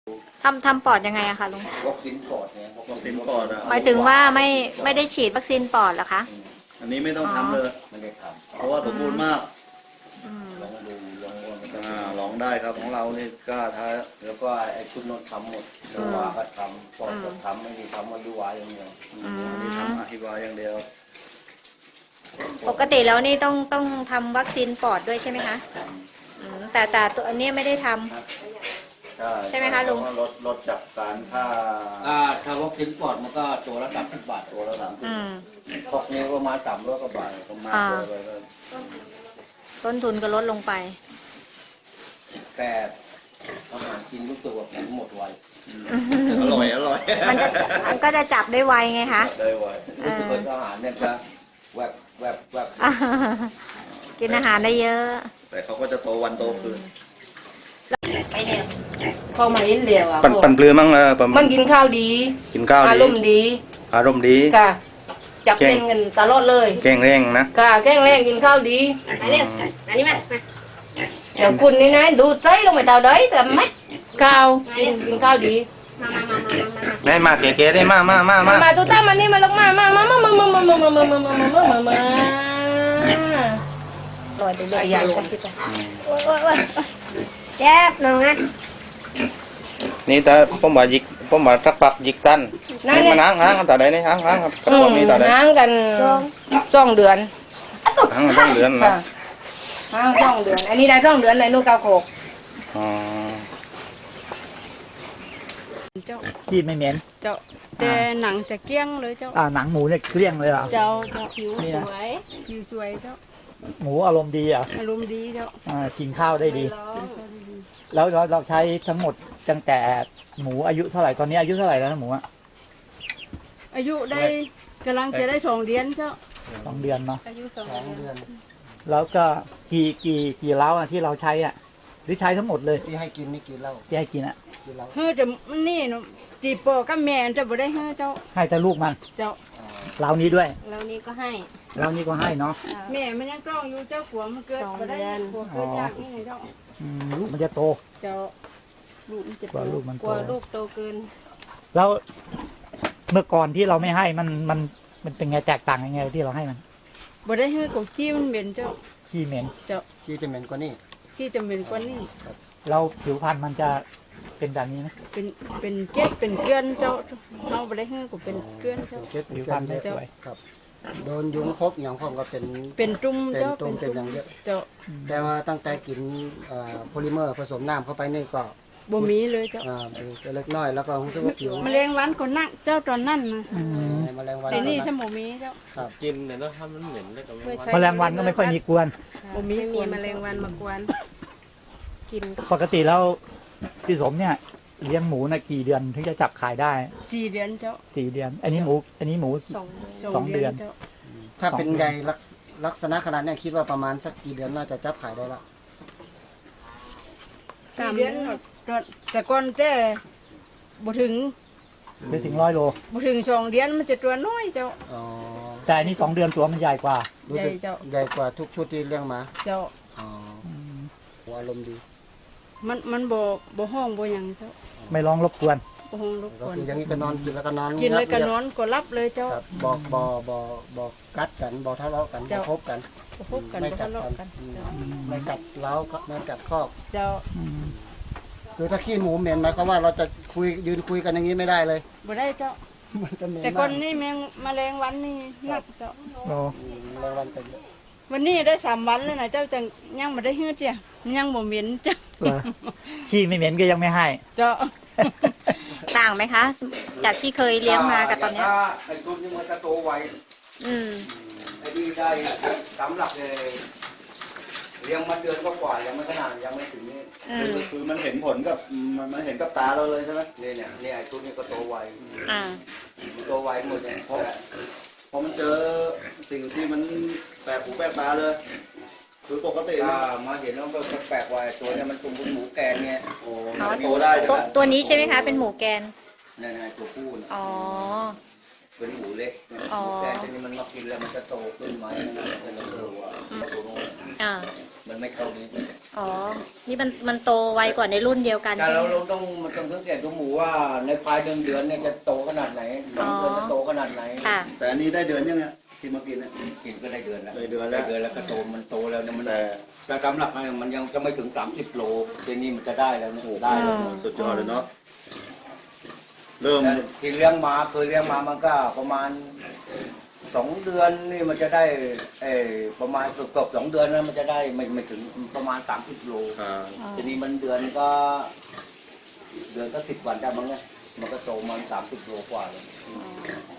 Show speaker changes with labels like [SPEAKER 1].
[SPEAKER 1] ทำปอดยังไงอะคะลุง
[SPEAKER 2] วัคซีนปอดเนี่ย
[SPEAKER 3] วัคซีนปอดอะ
[SPEAKER 1] หมายถึงว่าไม่ได้ฉีดวัคซีนปอดเหรอคะ
[SPEAKER 3] อันนี้ไม่ต้องทำเลย
[SPEAKER 2] ไม่ได้ทำ
[SPEAKER 3] เพราะว่าสมบูรณ์มาก
[SPEAKER 2] ลองดู
[SPEAKER 3] ลองได้ครับของเรานี่กล้าท้า
[SPEAKER 2] แล้วก็ไอ้ชุดนอนทำหมดสวาก็ทำปอดก็ทำไม่ได้ทำอายุวาอย่างเดียว
[SPEAKER 3] อันนี้ทำอธิบายอย่างเดียว
[SPEAKER 1] ปกติแล้วนี่ต้องทำวัคซีนปอดด้วยใช่ไหมคะแต่ตัวอันนี้ไม่ได้ทำใช่ไหมคะลุง
[SPEAKER 3] ลดจากการ
[SPEAKER 2] ถ้าวัคซีนปอดมันก็ตัวละ30 บาทตัวละ30พวกนี้ประมาณ300 กว่าบาทประมาณ
[SPEAKER 1] ต้นทุนก็ลดลงไป
[SPEAKER 2] แต่อาหารกินรู้สึกว่าผมหมดไว
[SPEAKER 3] อร่อย
[SPEAKER 1] มันก็จะจับได้ไวไงคะ
[SPEAKER 3] ได้ไว
[SPEAKER 2] รู้สึกว่าอาหารเนี่ยจะแวบ
[SPEAKER 1] กินอาหารได้เยอะ
[SPEAKER 3] แต่เขาก็จะโตวันโตคืน
[SPEAKER 1] ไปเนี่ย
[SPEAKER 4] เข้ามาเห็นเดียวอ่ะ
[SPEAKER 3] ปั่นเปลือยมั้ง
[SPEAKER 4] มันกินข้าวดีอารมณ์ดีค่ะจับเล่นกันตลอดเลย
[SPEAKER 3] แกงแรงนะ
[SPEAKER 4] ค่ะแกงแรงกินข้าวดี
[SPEAKER 1] มาเร็วอันนี้มา
[SPEAKER 4] เดี๋ยวคุณนี่นะดูใจลงไปเตาได้แต่ไม่ข้าวกินข้าวดี
[SPEAKER 3] ได้มาเก๋ๆได้มา
[SPEAKER 4] ตุ๊ต้ามานี่มาลงมาลอยไปเลยใหญ่กันสิจ้ะ
[SPEAKER 1] แจ๊บน้องอ่ะ
[SPEAKER 3] นี่แต่ผมว่าสักปักยิกตันนี่มานั่งแต่ใดนี่นั่งครับนี่แต่ใด
[SPEAKER 4] นั่งกัน2 เดือน
[SPEAKER 3] นั่ง2 เดือนนะ
[SPEAKER 4] นั่ง2 เดือนอันนี้ได้2 เดือนในนู่น9 โขก
[SPEAKER 5] เจ้า
[SPEAKER 6] ขี้ไม่เหม็น
[SPEAKER 5] เจ้าแต่หนังจะเกลี้ยงเลยเจ้า
[SPEAKER 6] หนังหมูเนี่ยเกลี้ยงเลยเหรอ
[SPEAKER 5] เจ้าผิวสวยเจ้า
[SPEAKER 6] หมูอารมณ์ดีอ่ะ
[SPEAKER 5] อารมณ์ดีเจ้า
[SPEAKER 6] กินข้าวได้ดีแล้วเราใช้ทั้งหมดตั้งแต่หมูอายุเท่าไหร่ตอนนี้อายุเท่าไหร่แล้วนะหมูอ่ะ
[SPEAKER 5] อายุได้กำลังจะได้2 เดือนเจ้า
[SPEAKER 6] 2 เดือนเนาะ
[SPEAKER 5] อายุ2 เดือน
[SPEAKER 6] แล้วก็กี่เล้าอ่ะที่เราใช้อ่ะหรือใช้ทั้งหมดเลย
[SPEAKER 2] ที่ให้กินไม่กินเหล้า
[SPEAKER 6] ที่ให้กินอ่ะ
[SPEAKER 5] เฮ้ยแต่นี่เนาะจีปอกับแม่จะบ่ได้เฮ้ยเจ้า
[SPEAKER 6] ให้แต่ลูกมัน
[SPEAKER 5] เจ้า
[SPEAKER 6] เรานี้ด้วย
[SPEAKER 5] เรานี้ก็ให้
[SPEAKER 6] เรานี้ก็ให้เนาะ
[SPEAKER 5] แม่มันยังกล้องอยู่เจ้าหัวมันเกิดบ่ได้หัวเกิดจากนี่ไงเจ้า
[SPEAKER 6] ลูกมันจะโต
[SPEAKER 5] เจ้าลูกมันจะโต
[SPEAKER 6] กว่าลูก
[SPEAKER 5] โตเกิน
[SPEAKER 6] แล้วเมื่อก่อนที่เราไม่ให้มันเป็นไงแตกต่างยังไงที่เราให้มัน
[SPEAKER 5] บ่ได้เฮ้ยของขี้มันเหม็นเจ้า
[SPEAKER 6] ขี้เหม็น
[SPEAKER 5] เจ้า
[SPEAKER 2] ขี้จะเหม็นกว่านี้
[SPEAKER 5] ขี้จะเหม็นกว่านี้
[SPEAKER 6] เราผิวพรรณมันจะเป็นแบบนี้ไหม
[SPEAKER 5] เป็นเกล็ดเป็นเกลือนเจ้าเราบ่ได้เฮ้ยก็เป็นเกลือนเจ้า
[SPEAKER 6] ผิวพรรณไม่สวย
[SPEAKER 2] ครับโดนยุงคบอย่างผมก็
[SPEAKER 5] เป็นจุ่มเจ้า
[SPEAKER 2] เป็นอย่างเยอะ
[SPEAKER 5] เจ้า
[SPEAKER 2] แต่ว่าตั้งแต่กินโพลิเมอร์ผสมน้ำเข้าไปนี่ก็
[SPEAKER 5] บ่มีเลยเจ้า
[SPEAKER 2] เล็กน้อยแล้วก็รู้สึกว่าผิว
[SPEAKER 5] แมลงวันก็นักเจ้าตอนนั้นนะ
[SPEAKER 2] แมลงวัน
[SPEAKER 5] แต่นี่ถ้าบ่มีเจ้า
[SPEAKER 2] กินเนี่ยแล้วถ้ามันเหม็นได้กับ
[SPEAKER 6] แมลงวันก็ไม่ค่อยมีกวน
[SPEAKER 5] บ่มีแมลงวันมากวนกิน
[SPEAKER 6] ปกติแล้วพี่สมเนี่ยเลี้ยงหมูนะกี่เดือนถึงจะจับขายได้
[SPEAKER 5] 4 เดือนเจ้า
[SPEAKER 6] 4 เดือนอันนี้หมู2 เดือน
[SPEAKER 2] ถ้าเป็นใหญ่ลักษณะขนาดนี้คิดว่าประมาณสักกี่เดือนน่าจะจับขายได้ละ
[SPEAKER 5] 4 เดือนแต่ก่อนแต่บ่ถึง
[SPEAKER 6] ไม่ถึง100 โล
[SPEAKER 5] บ่ถึง2 เดือนมันจะตัวน้อยเจ้า
[SPEAKER 6] แต่อันนี้2 เดือนตัวมันใหญ่กว่า
[SPEAKER 5] ใหญ่เจ้า
[SPEAKER 2] ใหญ่กว่าทุกชุดที่เลี้ยงมา
[SPEAKER 5] เจ้า
[SPEAKER 2] อารมณ์ดี
[SPEAKER 5] มันบ่ห้องบ่หยังเจ้า
[SPEAKER 6] ไม่ร้องรบกวน
[SPEAKER 5] บ่ห้องรบกวน
[SPEAKER 2] อย่างนี้ก็นอนกินแล้วก็นอน
[SPEAKER 5] กินแล้วก็นอนก็รับเลยเจ้า
[SPEAKER 2] บอกกัดกันบอกทะเลาะกันบอกพบกัน
[SPEAKER 5] ไม่กัดกัน
[SPEAKER 2] ไม่กัดเล้าไม่กัดคอก
[SPEAKER 5] เจ้า
[SPEAKER 2] คือถ้าขี้หมูเหม็นหมายความว่าเราจะยืนคุยกันอย่างนี้ไม่ได้เลย
[SPEAKER 5] บ่ได้เจ้าแต่ก่อนนี่แมลงวันนี่นักเจ้า
[SPEAKER 2] แมลงวันเป็น
[SPEAKER 5] วันนี้ได้3 วันแล้วนะเจ้าจังยังบ่ได้ฮื้อเจ้ายังบ่เหม็นเจ้า
[SPEAKER 6] ขี้ไม่เหม็นก็ยังไม่ให้
[SPEAKER 5] เจ้า
[SPEAKER 1] ต่างไหมคะจากที่เคยเลี้ยงมากับตอนนี้
[SPEAKER 2] ไอ้ตัวนี้มันจะโตไวไอ้ที่ได้สำหรับเลยเลี้ยงมาเดือนกว่ายังไม่ขนาดยังไม่ถึงนี่
[SPEAKER 3] คือมันเห็นผลกับมันเห็นกับตาเราเลยใช่ไหม
[SPEAKER 2] เนี่ยไอ้ตัวนี้ก็โตไวโตไวหมดเลย
[SPEAKER 3] พอมันเจอสิ่งที่มันแปลกหูแปลกตาเลยคือปกติ
[SPEAKER 2] มาเห็นแล้วก็แปลกไวตัวนี้มันตุ่มหมูแกนเนี่ย
[SPEAKER 3] โตได้
[SPEAKER 1] ตัวนี้ใช่ไหมคะเป็นหมูแกน
[SPEAKER 2] นี่ตัวผู้
[SPEAKER 1] อ๋อ
[SPEAKER 2] เป็นหมูเล็กนะ
[SPEAKER 1] อ๋อ
[SPEAKER 2] แต่ทีนี้มันมากินแล้วมันจะโตขึ้นไหมนะมันจะโตว่าตัวนู้น
[SPEAKER 1] อ่า
[SPEAKER 2] มันไม่เข้านี้
[SPEAKER 1] อ๋อ นี่มันโตไวกว่าในรุ่นเดียวกัน
[SPEAKER 2] แต่
[SPEAKER 1] ใช่ไหม
[SPEAKER 2] เราต้องมันต้องสังเกตตัวหมูว่าในภายเดือนเนี่ยจะโตขนาดไหนสองเดือนจะโตขนาดไหน
[SPEAKER 1] ค่ะ
[SPEAKER 7] แต่อันนี้ได้เดือนยังไงที่มากินเนี่ย
[SPEAKER 2] กินก็ได้เดือนแล้ว
[SPEAKER 7] ได้เดือนแล้ว
[SPEAKER 2] ได้เดือนแล้วก็โตมันโตแล้วเนี่ยมันแต่สำหรับมันยังจะไม่ถึง30โลทีนี้มันจะได้แล้วนะได้แล้วนะ
[SPEAKER 7] สุดยอดเลยเนาะเริ่ม
[SPEAKER 2] แต่ที่เลี้ยงมาเคยเลี้ยงมามันก็ประมาณ2 เดือนนี่มันจะได้ประมาณเกือบ2 เดือนนั้นมันจะได้ไม่ถึงประมาณ30โล
[SPEAKER 7] อ่า
[SPEAKER 2] ทีนี้มันเดือนก็ 10 วันได้มั้งเนี่ยมันก็โตมัน30โลกว่าเลย